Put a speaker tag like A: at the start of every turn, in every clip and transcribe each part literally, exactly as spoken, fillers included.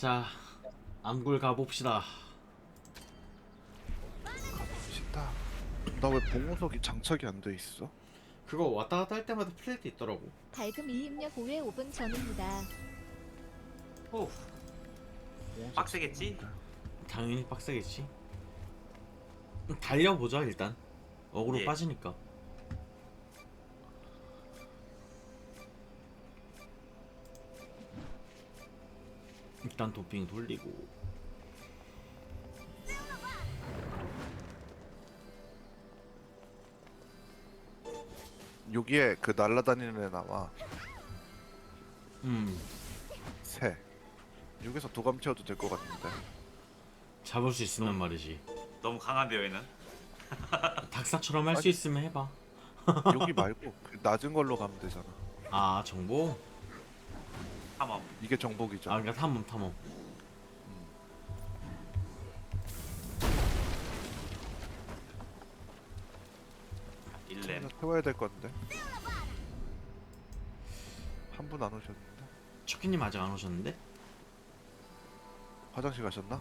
A: 자, 암굴 가봅시다.
B: 가봅시다. 나 왜 봉우석이 장착이 안 돼 있어?
A: 그거 왔다 갔다 할 때마다 플레이트 있더라고.
C: 밝음 이입력 오 회 오 분 전입니다.
D: 오,
B: 봉우석
D: 빡세겠지?
B: 쓰는데.
A: 당연히 빡세겠지. 달려보자 일단. 어그로
D: 예.
A: 빠지니까. 일단 도핑 돌리고.
B: 여기에 그 날라다니는 애 나와.
A: 음,
B: 새. 여기서 도감 채워도 될 것 같은데.
A: 잡을 수 있으면 말이지.
D: 너무 강한데요 얘는.
A: 닥사처럼 할 수 있으면 해봐.
B: 여기 말고 그 낮은 걸로 가면 되잖아.
A: 아, 정보?
D: 탐험.
B: 이게 정복이죠.
A: 아, 그러니까 탐험 탐험.
D: 일렘.
B: 태워야 될 건데. 한 분 안 오셨는데.
A: 척키님 아직 안 오셨는데?
B: 화장실 가셨나?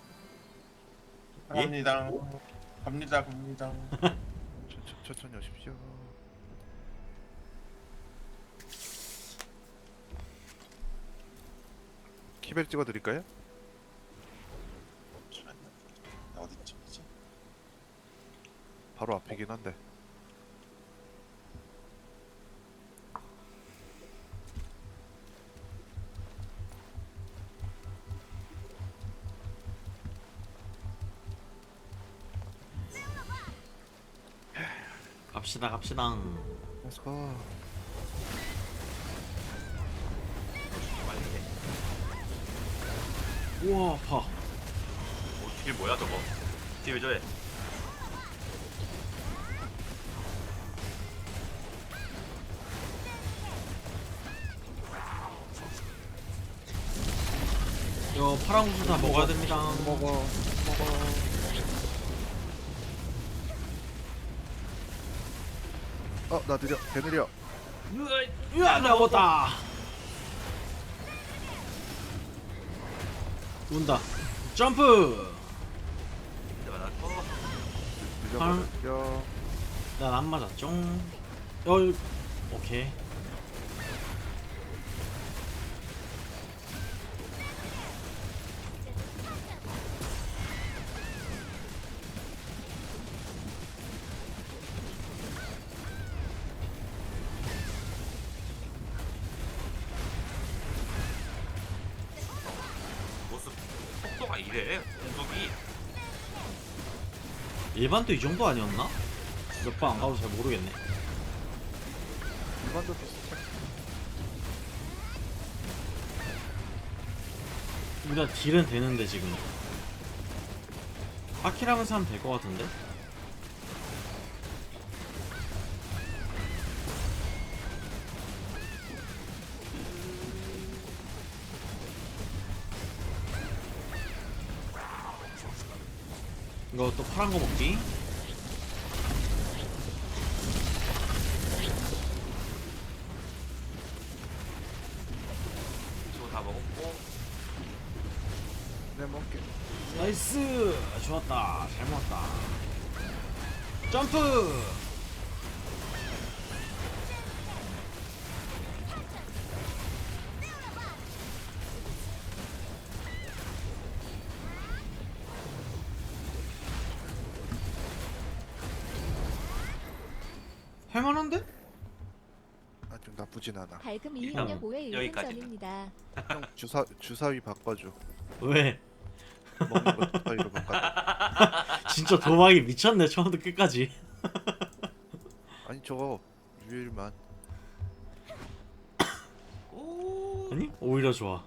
A: 예?
E: 갑니다. 갑니다. 갑니다.
B: 천천, 천천히 오십시오. 키벨 찍어드릴까요?
E: 어디쯤이지?
B: 바로 앞이긴 한데.
A: 갑시다 갑시다.
B: Let's go.
D: 빨리 해.
A: 우와 아파.
D: 오, 딜 뭐야 저거? 딜 왜 저래?
A: 이거 파란 구슬 다 먹어야 됩니다.
B: 먹어. 먹어. 어, 나 느려. 개 느려.
A: 으아, 나왔다. 온다. 점프.
D: 내가 나 어,
B: 느려. 느려.
A: 난 안 맞았죠. 어, 오케이.
D: 모습 속도가 이래. 공속이.
A: 일반도 이 정도 아니었나? 몇 번 안 가도 잘 모르겠네.
B: 일반도 비슷해.
A: 우리가 딜은 되는데 지금. 아키라면서 하면 될 것 같은데? 이거 또 파란 거 먹기.
D: 저거 다 먹었고.
B: 내 먹게.
A: 나이스! 좋았다. 잘 먹었다. 점프! 할만한데?
B: 아, 좀 나쁘진 않아.
C: 밝음
D: 일단
C: 이입력 오 회 일 분
D: 여기까지는.
C: 전입니다.
B: 형 주사 주사위 바꿔줘.
A: 왜?
B: 먹는 거 주사위로 바꿔.
A: 진짜 도박이 미쳤네, 처음부터 끝까지.
B: 아니 저거 유일만.
D: 오.
A: 아니? 오히려 좋아.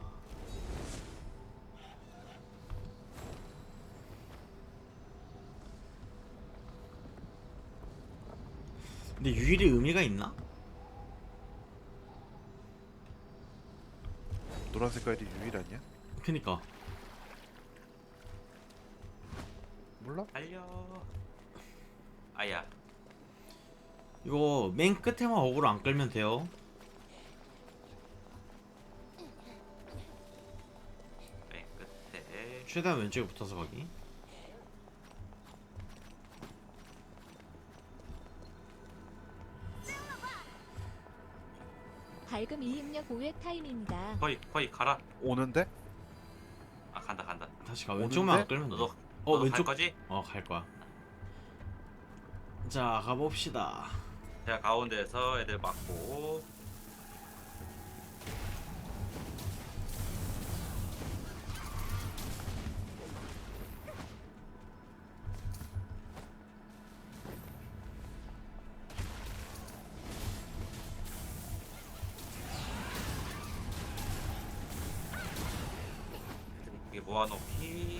A: 근데 유일이 의미가 있나?
B: 노란 색깔이 유일 아니야?
A: 그니까.
B: 몰라?
D: 달려. 아야.
A: 이거 맨 끝에만 어그로 안 끌면 돼요.
D: 네.
A: 최대한 왼쪽에 붙어서 가기.
C: 밝음 이입력 오 회 타임입니다.
D: 거의 거의 가라.
B: 오는데?
D: 아 간다 간다.
A: 다시 가. 왼쪽만 안
B: 오는데?
A: 끌면 돼.
D: 너도
A: 어
D: 너도 갈
A: 왼쪽.
D: 거지?
A: 어 갈 거야. 자 가봅시다.
D: 제가 가운데에서 애들 막고. 이게 모아놓기.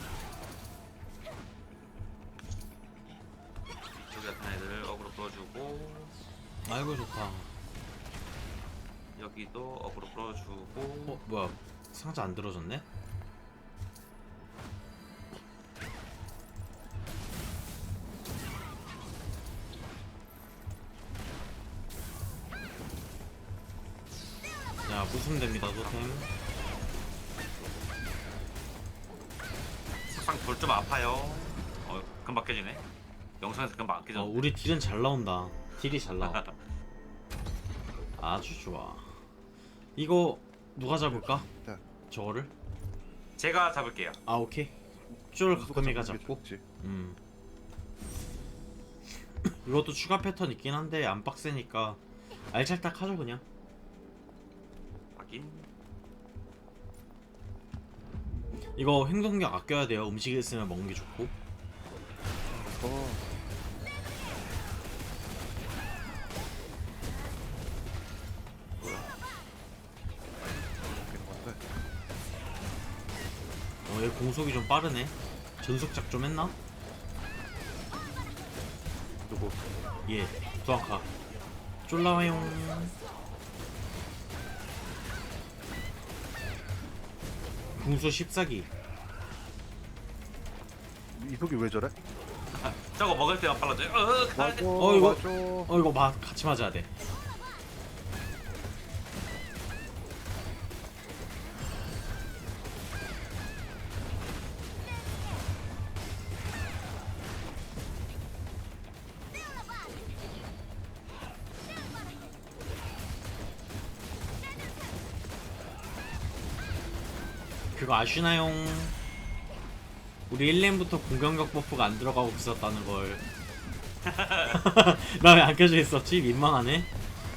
D: 이쪽에 나타난 애들 어그로 끌어주고,
A: 아이고 좋다.
D: 여기도 어그로 끌어주고.
A: 어 뭐야 상자 안 들어졌네? 자 부수면 됩니다 토템.
D: sak상 돌 좀 아파요. 어 금방 깨지네. 영상에서 금방 안
A: 어
D: 깨져.
A: 우리 딜은 잘 나온다. 딜이 잘 나와. 아주 좋아. 이거 누가 잡을까?
B: 네.
A: 저거를?
D: 제가 잡을게요.
A: 아 오케이. 쫄
B: 누가
A: 가끔이가
B: 잡는 게
A: 잡고.
B: 좋지.
A: 음. 이것도 추가 패턴 있긴 한데 안 빡세니까 알찰딱 하죠 그냥.
D: 확인.
A: 이거 행동력 아껴야 돼요. 음식 있으면 먹는 게 좋고.
B: 어. 웃기는 건데.
A: 어, 얘 공속이 좀 빠르네. 전속작 좀 했나?
B: 누구?
A: 예, 도안카. 쫄라와용. 궁수 십사기.
B: 이속이 왜 저래?
D: 저거 먹을 때만 빨라져요. 어, 가야
B: 맞아.
D: 돼.
A: 어, 이거-
B: 맞아.
A: 어 이거 마, 같이 맞아야 돼. 그거 아시나요? 우리 일 렘부터 공격력 버프가 안 들어가고 있었다는 걸. 나 왜 안 켜져 있었지? 민망하네.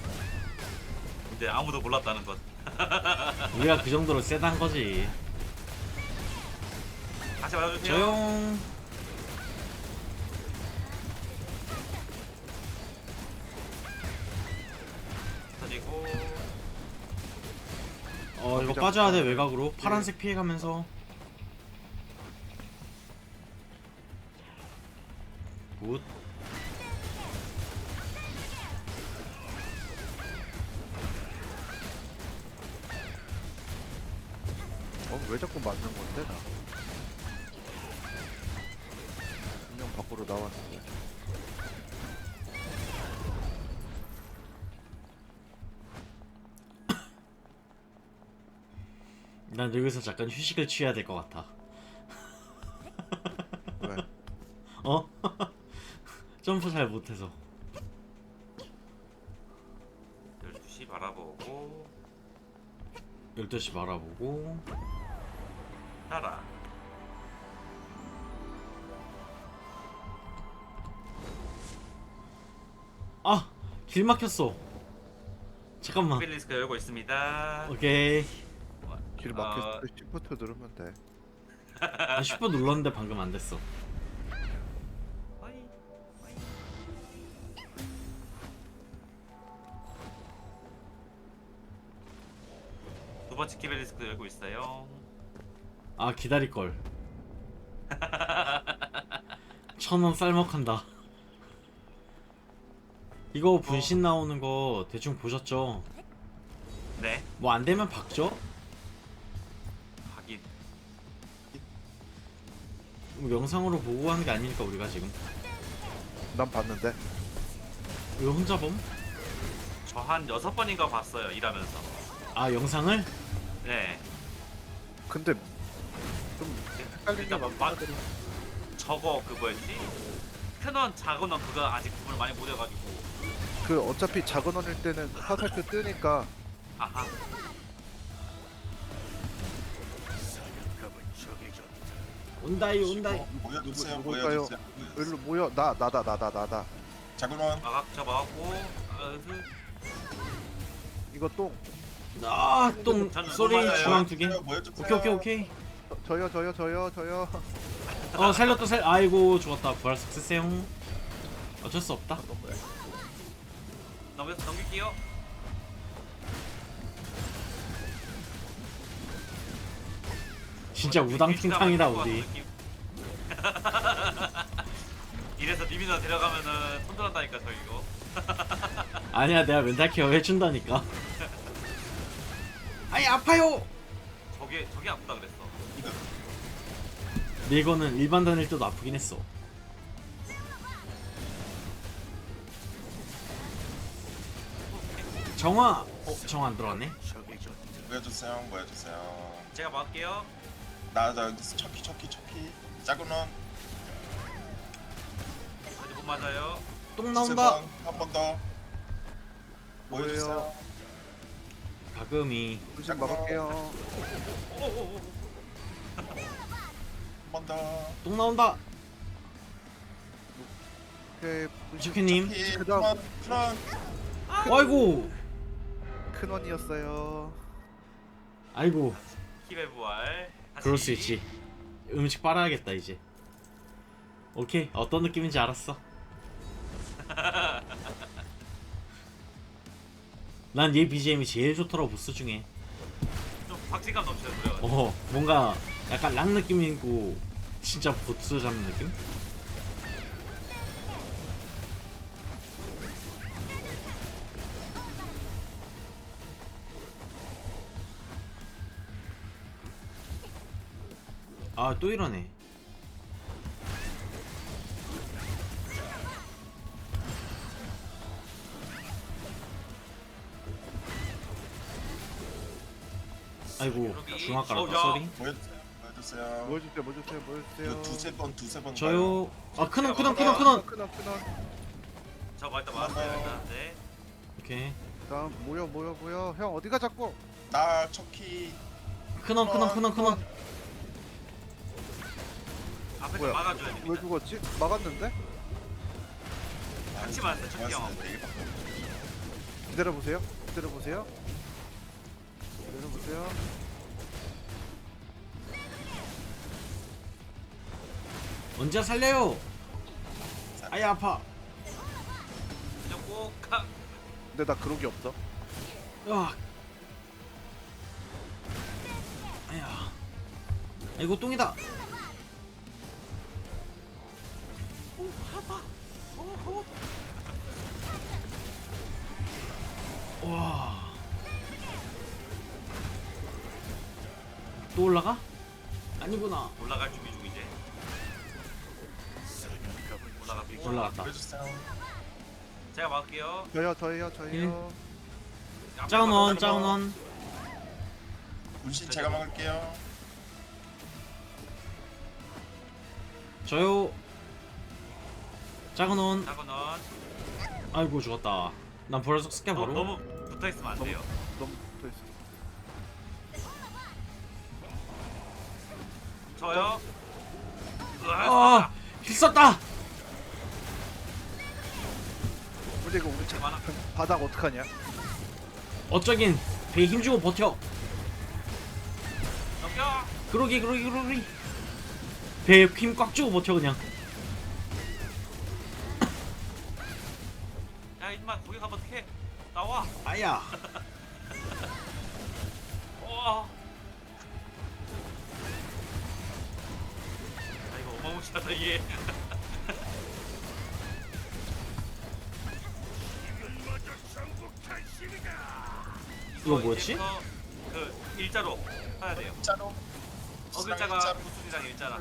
D: 근데 아무도 몰랐다는 것.
A: 우리가 그 정도로 세단 거지.
D: 다시 말해주세요.
A: 조용.
D: 터지고.
A: 어 이거 빠져야 돼 외곽으로. 파란색 피해가면서. 굿.
B: 어, 왜 자꾸 맞는 건데, 나? 분명 밖으로 나왔는데.
A: 난 여기서 잠깐 휴식을 취해야 될 것 같아.
B: 왜?
A: 어? 점프 잘 못해서.
D: 열두 시 바라보고.
A: 열두 시 바라보고.
D: 따라.
A: 아! 길 막혔어. 잠깐만.
D: 필리스크 열고 있습니다.
A: 오케이.
B: 길
D: 어,
B: 막혔을 때 시프트 누르면 돼.
A: 아, 십 분 눌렀는데 방금 안 됐어.
D: 어이, 어이. 두 번째 키벨리스크 열고 있어요.
A: 아 기다릴걸. 천원 쌀먹한다. 이거 분신 나오는 거 대충 보셨죠?
D: 네,
A: 뭐 안되면 박죠?
D: 확인.
A: 뭐 영상으로 보고 하는 게 아니니까 우리가 지금.
B: 난 봤는데.
A: 이거 혼자 범?
D: 저 한 여섯 번인가 봤어요, 일하면서.
A: 아 영상을?
D: 네,
B: 근데 좀 헷갈리게
D: 일단
B: 막
D: 막- 저거 그 뭐였지? 큰원 작은 원 그거 아직 구분을 많이 못 해가지고.
B: 그 어차피 작은 원일 때는 화살표 뜨니까
D: 아하.
A: 온다이 온다이.
E: 어, 모여주세요.
B: 누구- 누굴까요?
E: 모여주세요.
B: 일로 모여. 나 나다 나다 나다.
E: 자군원
D: 막아 저 막았고. 아, 그,
B: 이거 똥.
A: 아똥
D: 저는
A: 소리
D: 넘어가요.
A: 중앙 두 개.
E: 모여주세요.
A: 오케이 오케이 오케이.
B: 저- 저요 저요 저요 저요.
A: 어 살렸다 살. 아이고 죽었다. 부활 सक्세스용. 어쩔 수 없다.
D: 넘겨 넘길게요.
A: 진짜 우당탕탕이다 우리.
D: 이래서 니미나 데려가면은 손들었다니까 저 이거.
A: 아니야 내가 멘탈 케어 해준다니까. 아이 아파요.
D: 저게 저게 아프다 그랬어.
E: 이거
A: 근데 이거는 일반 단일 때도 아프긴 했어. 정화. 어 정화 안 들어왔네.
E: 모여주세요. 모여주세요.
D: 제가 막을게요.
E: 나나 여기 척키 척키 척키. 자군원
D: 아직 못 맞아요.
A: 똥 나온다.
E: 한번 더. 모여주세요.
A: 가금이.
B: 조심 막을게요.
D: 오오오.
E: 한 번 더.
A: 똥 나온다.
B: 오케이.
A: 지큐님.
E: 척키.
B: 그다음.
E: 크런 크런.
A: 아이고.
B: 큰 원이었어요.
A: 아이고.
D: 힘의 부활. 다시.
A: 그럴 수 있지. 음식 빨아야겠다 이제. 오케이 어떤 느낌인지 알았어. 난 얘 비지엠이 제일 좋더라고 보스 중에.
D: 좀 박진감 넘치는 노래가.
A: 어 뭔가 약간 락 느낌이고 진짜 보스 잡는 느낌? 아 또 이러네. 아이고 중앙 깔았다
D: 어, 야.
A: 쏘리.
E: 모여주세요. 모여주세요.
B: 모여주세요 모여주세요 모여주세요.
E: 이거 두세 번 두세 번.
A: 저요. 아 큰원 큰원
E: 큰원,
A: 큰원 큰원.
B: 큰원 큰원.
D: 저 일단 맞았어요 일단. 네.
A: 오케이
B: 다음 모여 모여 모여. 형 어디가 자꾸?
E: 나 척키.
A: 큰원 큰원 큰원 큰원.
D: 앞에 좀
B: 뭐야?
D: 막아줘야
B: 왜
D: 됩니다.
B: 죽었지? 막았는데?
D: 같이 맞았어요, 척키 형.
B: 기다려 보세요. 기다려 보세요. 기다려 보세요.
A: 언제 살려요? 아이 아파.
D: 그냥 꼭 가.
B: 근데 나 그런 게 없어.
A: 으악. 아야. 아이고 똥이다. 와. 또 올라가? 아니구나.
D: 올라갈 준비 중 이제. 올라갑니다.
A: 올라갔다.
E: 모여주세요.
D: 제가 막을게요.
B: 저요 저요 저요.
A: 작은 원, 작은 원.
E: 문신 제가 막을게요.
A: 저요. 작은 원.
D: 작은 원.
A: 아이고 죽었다. 난 벌써 스캔
D: 너,
A: 바로.
D: 너무 붙어 있으면 안 돼요.
B: 너무 붙어 있어.
D: 저요.
A: 아, 힐 썼다.
B: 근데 이거 우리 자,
D: 많아.
B: 바닥 어떡하냐?
A: 어쩌긴 배에 힘주고 버텨.
D: 넘겨.
A: 그러기 그러기 그러기. 배에 힘 꽉 주고 버텨 그냥.
D: 야 이만 거기 가면 어떡해? 나와.
A: 아야.
D: 와. 아 이거 어마무시하다 이게.
A: 이거 뭐였지?
D: 이제부터 그 일자로 해야 돼요.
E: 일자로.
D: 어글자가
E: 일자로.
D: 구슬이랑 일자랑.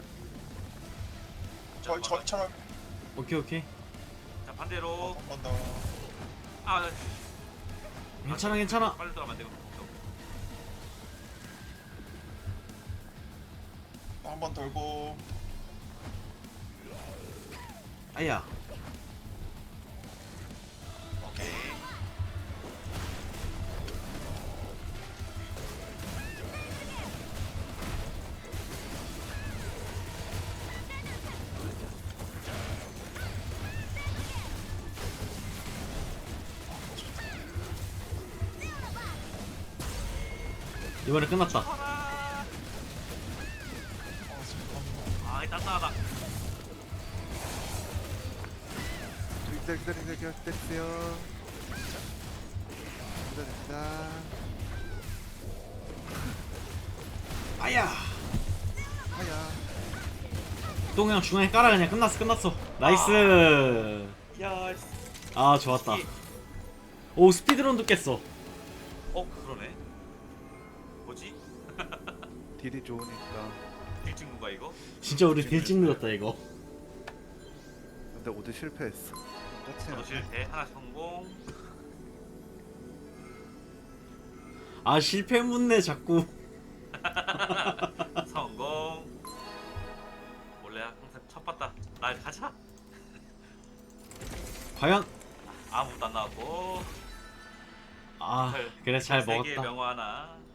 E: 저 저처럼
A: 오케이 오케이.
D: 자 반대로.
E: 한 번 더.
D: 아
A: 괜찮아 괜찮아.
D: 빨리 들어가면 안 되고.
E: 또 한 번 돌고.
A: 아야.
E: 오케이.
A: 이번에 끝났다.
D: 아,
E: 어, 잠깐만.
D: 아, 이 딴딴하다.
B: 기다려 기다려 기다려 기다리세요. 기다립니다.
A: 아야.
B: 하야.
A: 또 그냥 중앙에 깔아. 그냥 끝났어 끝났어. 나이스.
D: 야, 씨.
A: 아 좋았다. 오 스피드런도 깼어.
D: 어, 그러네. 뭐지?
B: 딜이 좋으니까.
D: 딜친구가 이거?
A: 진짜 우리 빌찍 늘었다 이거.
B: 근데 오드 실패했어.
D: 저도
B: 끝이야.
D: 실패 하나 성공.
A: 아 실패 묻네 자꾸.
D: 성공. 원래 항상 첫 봤다. 날 가자.
A: 과연.
D: 아무것도 안 나왔고.
A: 아 그래 잘
D: 세개의
A: 먹었다.
D: 명화 하나.